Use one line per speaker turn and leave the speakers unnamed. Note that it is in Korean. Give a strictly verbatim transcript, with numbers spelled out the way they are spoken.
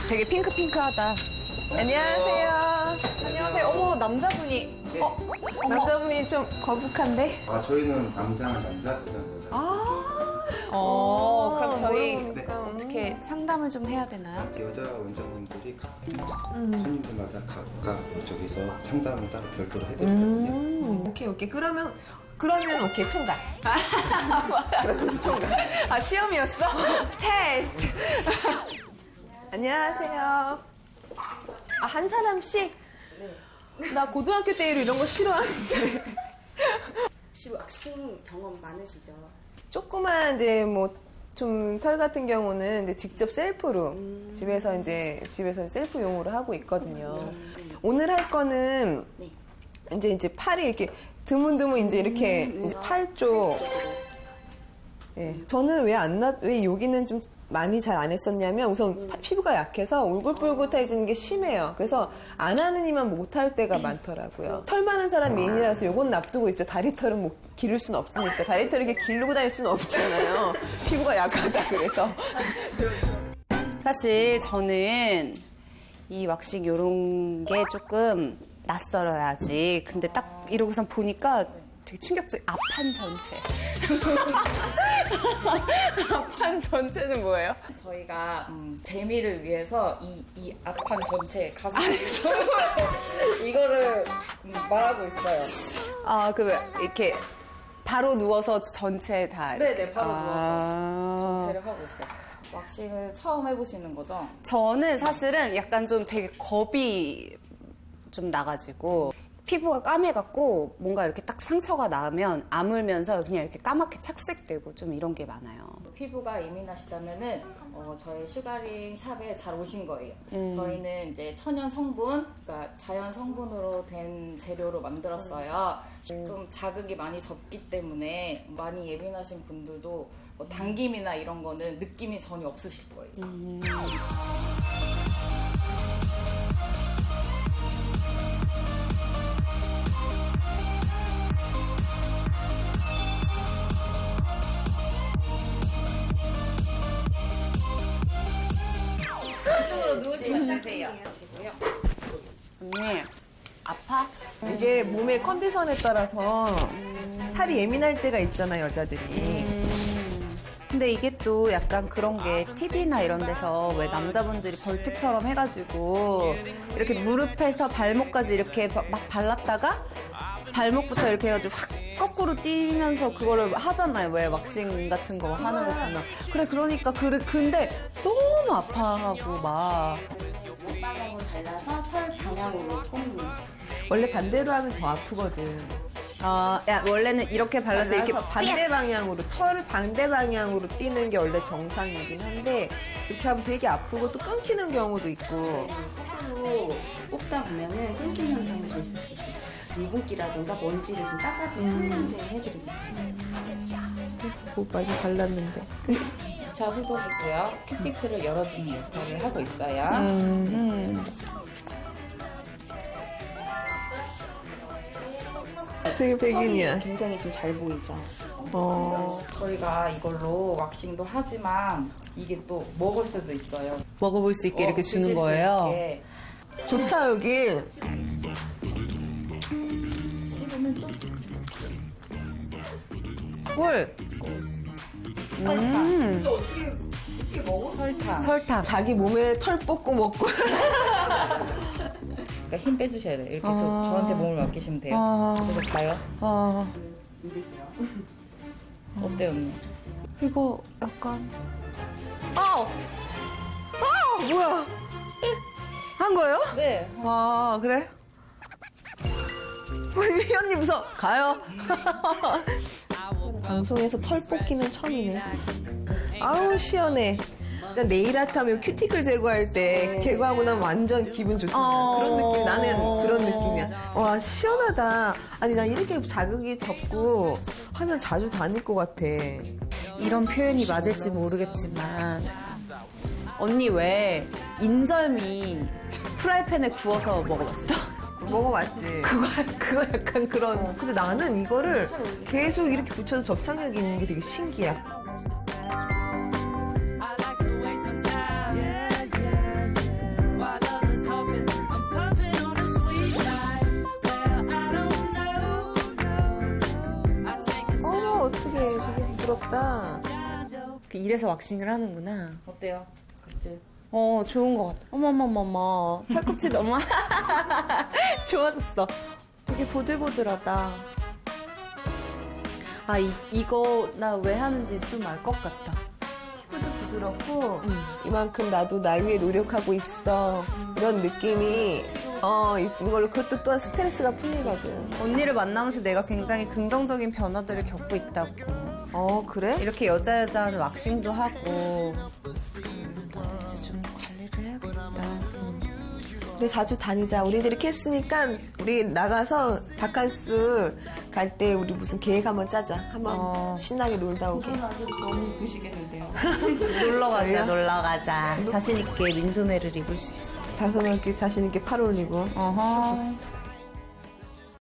되게 핑크핑크하다.
안녕하세요.
안녕하세요. 어머, 남자분이. 어? 어머.
남자분이 좀 거북한데?
아, 저희는 남자는 남자, 여자는 여자.
아.
어, 그럼 저희
모르니까.
어떻게 상담을 좀 해야 되나요?
여자 원장님들이 각 손님들마다 각각 저기서 상담을 따로 별도로 해드리거든요.
음. 오케이, 오케이. 그러면, 그러면 오케이, 통과. 그러면 통과.
아, 시험이었어? 테스트.
안녕하세요. 아, 한 사람씩? 나 고등학교 때 이런 거 싫어하는데.
혹시 왁싱 경험 많으시죠?
조그만 이제 뭐 좀 털 같은 경우는 이제 직접 셀프로 음. 집에서 이제 집에서 셀프용으로 하고 있거든요.
음.
오늘 할 거는
네.
이제 이제 팔이 이렇게 드문드문 이제 이렇게
음.
이제 팔 쪽. 예. 저는 왜 안 나, 왜 여기는 좀 많이 잘 안 했었냐면 우선 파- 피부가 약해서 울긋불긋해지는 게 심해요. 그래서 안 하는 이만 못할 때가 많더라고요. 털 많은 사람 미인이라서 요건 놔두고 있죠. 다리털은 뭐 기를 수는 없으니까. 다리털을 이렇게 기르고 다닐 수는 없잖아요. 피부가 약하다 그래서.
사실 저는 이 왁싱 요런 게 조금 낯설어야지. 근데 딱 이러고선 보니까 되게 충격적. 앞판 전체. 앞판 전체는 뭐예요?
저희가 음, 재미를 위해서 이, 이 앞판 전체 가슴 이거를 음, 말하고 있어요.
아, 그 이렇게 바로 누워서 전체 다. 이렇게.
네네, 바로
아.
전체를 하고 있어요. 왁싱을 처음 해보시는 거죠?
저는 사실은 약간 좀 되게 겁이 좀 나가지고 피부가 까매갖고 뭔가 이렇게 딱 상처가 나면 아물면서 그냥 이렇게 까맣게 착색되고 좀 이런 게 많아요.
피부가 예민하시다면은 어, 저희 슈가링 샵에 잘 오신 거예요.
음.
저희는 이제 천연 성분, 그러니까 자연 성분으로 된 재료로 만들었어요. 좀 자극이 많이 적기 때문에 많이 예민하신 분들도 뭐 당김이나 이런 거는 느낌이 전혀 없으실 거예요.
음. 이쪽으로 누우시면 되세요. 언니, 아파?
이게 몸의 컨디션에 따라서 살이 예민할 때가 있잖아요, 여자들이.
근데 이게 또 약간 그런 게 티비나 이런 데서 왜 남자분들이 벌칙처럼 해가지고 이렇게 무릎에서 발목까지 이렇게 막 발랐다가 발목부터 이렇게 해가지고 확 거꾸로 뛰면서 그거를 하잖아요. 왜 왁싱 같은 거 하는 거 보면. 그래, 그러니까, 그래, 근데 너무 아파하고 막.
방향으로 잘라서 털 방향으로 꼽는.
원래 반대로 하면 더 아프거든.
아, 야, 원래는 이렇게 발라서 이렇게
발라서 반대 방향으로, 털을 반대 방향으로 뛰는 게 원래 정상이긴 한데, 이렇게 하면 되게 아프고 또 끊기는 경우도 있고.
거꾸로 뽑다 보면은 끊김 현상이 좀 있을 수 있어요. 유분기라든가 먼지를 좀 닦아 클렌징 해드리고
뭐 많이 발랐는데.
자, 후보이고요. 큐티클을 열어주는 역할을 하고 있어요.
음. 되게 백인이야.
굉장히 좀 잘 보이죠?
어.
저희가 이걸로 왁싱도 하지만 이게 또 먹을 수도 있어요.
먹어볼 수 있게
어,
이렇게
드실
주는
수
거예요.
있게.
좋다, 여기. 꿀.
음,
설탕.
설탕.
자기 몸에 털 뽑고 먹고.
그러니까 힘 빼주셔야 돼요. 이렇게
아.
저, 저한테 몸을 맡기시면 돼요.
아.
그래서 가요.
아,
어때요, 언니?
이거 약간.
아우! 아우! 뭐야? 한 거예요?
네.
아, 그래? 이 언니 무서워. 가요. 방송에서 털 뽑기는 처음이네. 아우, 시원해. 일단 네일 아트 하면 큐티클 제거할 때 제거하고 나면 완전 기분 좋잖아.
어.
그런 느낌, 나는 그런 느낌이야. 와, 시원하다. 아니, 나 이렇게 자극이 적고 하면 자주 다닐 것 같아.
이런 표현이 맞을지 모르겠지만 언니 왜 인절미 프라이팬에 구워서 먹어봤어?
먹어봤지.
그거 그거 약간 그런.
근데 나는 이거를 계속 이렇게 붙여서 접착력이 있는 게 되게 신기해. 멋있다.
이래서 왁싱을 하는구나.
어때요? 각질?
어, 좋은 것 같아. 어머머머머. 팔꿈치 너무 좋아졌어. 되게 보들보들하다. 아, 이, 이거 나 왜 하는지 좀 알 것 같다. 피부도 부드럽고.
이만큼 나도 날 위해 노력하고 있어. 이런 느낌이 어 이걸로 그것도 또한 스트레스가 풀리거든.
언니를 만나면서 내가 굉장히 긍정적인 변화들을 겪고 있다고.
어 그래?
이렇게 여자 여자 하는 왁싱도 하고. 나도 이제 좀 관리를 해야겠다.
우리 자주 다니자. 우리 이제 이렇게 했으니까 우리 나가서 바캉스 갈 때 우리 무슨 계획 한번 짜자. 한번
어.
신나게 놀다 오게.
너무 드시겠는데요.
놀러 가자,
저희요?
놀러 가자. 자신있게 민소매를 입을 수 있어.
자손한테 자신 있게 팔 올리고.
어허.